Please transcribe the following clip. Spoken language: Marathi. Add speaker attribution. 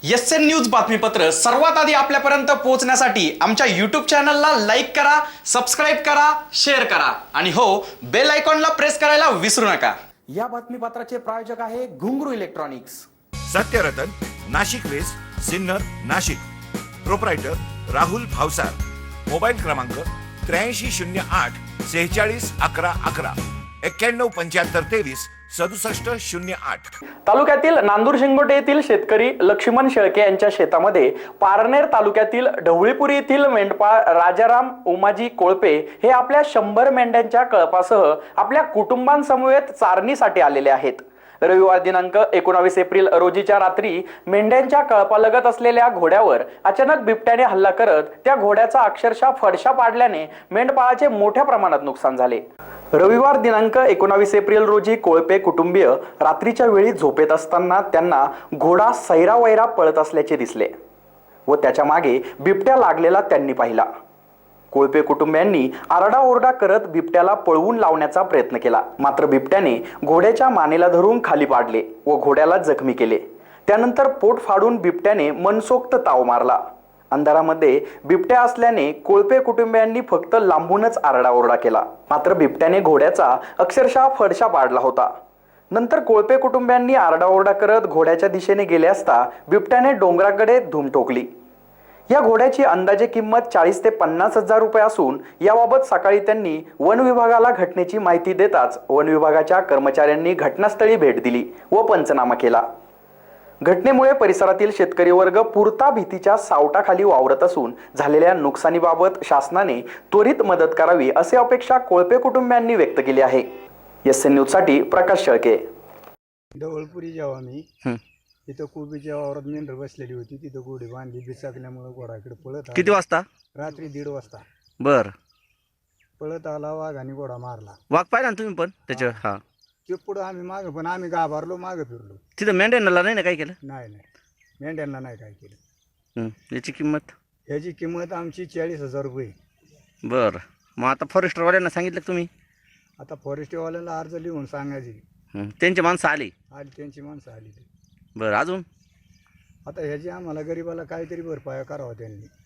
Speaker 1: एसएन न्यूज बातमीपत्र सर्वात आधी आपल्यापर्यंत पोहोचण्यासाठी आमच्या यूट्यूब चॅनलला लाईक करा, सबस्क्राईब करा, शेअर करा आणि हो, बेल आयकॉनला प्रेस करायला विसरू नका। या बातमीपत्राचे प्रायोजक आहे Ghungroo electronics.
Speaker 2: Satyaratan, Nashik west, Sinnar, Nashik. Proprietor Rahul Bhavsar. Mobile क्रमांक 8308 46 11 11 91 75 23 67 08।
Speaker 1: तालुक्यातील नांदूर शिंगोटे येथील शेतकरी लक्ष्मण शेळके यांच्या शेतामध्ये पारनेर तालुक्यातील ढवळीपुरी येथील मेंढपाळ राजाराम उमाजी कोळपे हे आपल्या 100 मेंढ्यांच्या कळपासह आपल्या कुटुंबांसमवेत चारणीसाठी आलेले आहेत। रविवार दिनांक 19 एप्रिल रोजीच्या रात्री मेंढ्यांच्या कळपालगत असलेल्या घोड्यावर अचानक बिबट्याने हल्ला करत त्या घोड्याचा अक्षरशः फडशा पाडल्याने मेंढपाळाचे मोठ्या प्रमाणात नुकसान झाले। रविवार दिनांक 19 एप्रिल रोजी कोळपे कुटुंबीय रात्रीच्या वेळी झोपेत असताना त्यांना घोडा सैरावैरा पळत असल्याचे दिसले व त्याच्या मागे बिबट्या लागलेला त्यांनी पाहिला। कोळपे कुटुंबियांनी आरडाओरडा करत बिबट्याला पळवून लावण्याचा प्रयत्न केला, मात्र बिबट्याने घोड्याच्या मानेला धरून खाली पाडले व घोड्याला जखमी केले। त्यानंतर पोट फाडून बिबट्याने मनसोक्त ताव मारला। अंधारामध्ये बिबट्या असल्याने कोळपे कुटुंबियांनी फक्त लांबूनच आरडाओरडा केला, मात्र बिबट्याने घोड्याचा अक्षरशः फडशा पाडला होता। नंतर कोळपे कुटुंबियांनी आरडाओरडा करत घोड्याच्या दिशेने गेले असता बिबट्याने डोंगराकडे धूम ठोकली। या घोड्याची अंदाजे किंमत 40 ते 50 हजार रुपये असून याबाबत सकाळी त्यांनी वन विभागाला घटनेची माहिती देताच वन विभागाच्या कर्मचाऱ्यांनी घटनास्थळी भेट दिली व पंचनामा केला। घटनेमुळे परिसरातील शेतकरी वर्ग पुरता भीतीच्या सावटाखाली वावरत असून झालेल्या नुकसानीबाबत शासनाने त्वरित मदत करावी अशी अपेक्षा कोळपे कुटुंबियांनी व्यक्त केली आहे। एसएन न्यूज साठी प्रकाश शेळके।
Speaker 3: ढवळपुरी जेव्हा मी तिथं कोबीच्या वावरात मेंढर बसलेली होती, तिथं घोडी बांधली, बिचाकल्यामुळे घोडाकडे पळत आला।
Speaker 4: किती वाजता?
Speaker 3: रात्री 1:30 वाजता
Speaker 4: बर।
Speaker 3: पळत आला, वाघाने घोडा मारला।
Speaker 4: वाघ पाहिला ना तुम्ही पण त्याच्या? हा,
Speaker 3: ते पुढं आम्ही मागं, पण आम्ही घाबरलो, मागं फिरलो।
Speaker 4: तिथं मेंढ्यांना नाही ना काय केलं?
Speaker 3: नाही मेंढ्यांना नाही काय केलं।
Speaker 4: याची किंमत?
Speaker 3: ह्याची किंमत आमची 40,000 रुपये।
Speaker 4: बर, मग आता फॉरेस्टरवाल्यांना सांगितलं का तुम्ही?
Speaker 3: आता फॉरेस्टवाल्याला अर्ज लिहून सांगायची।
Speaker 4: त्यांची माणसं आली?
Speaker 3: त्यांची माणसं आली।
Speaker 4: बरं, अजून?
Speaker 3: आता ह्याची आम्हाला गरीबाला काहीतरी भरपाया करावा त्यांनी।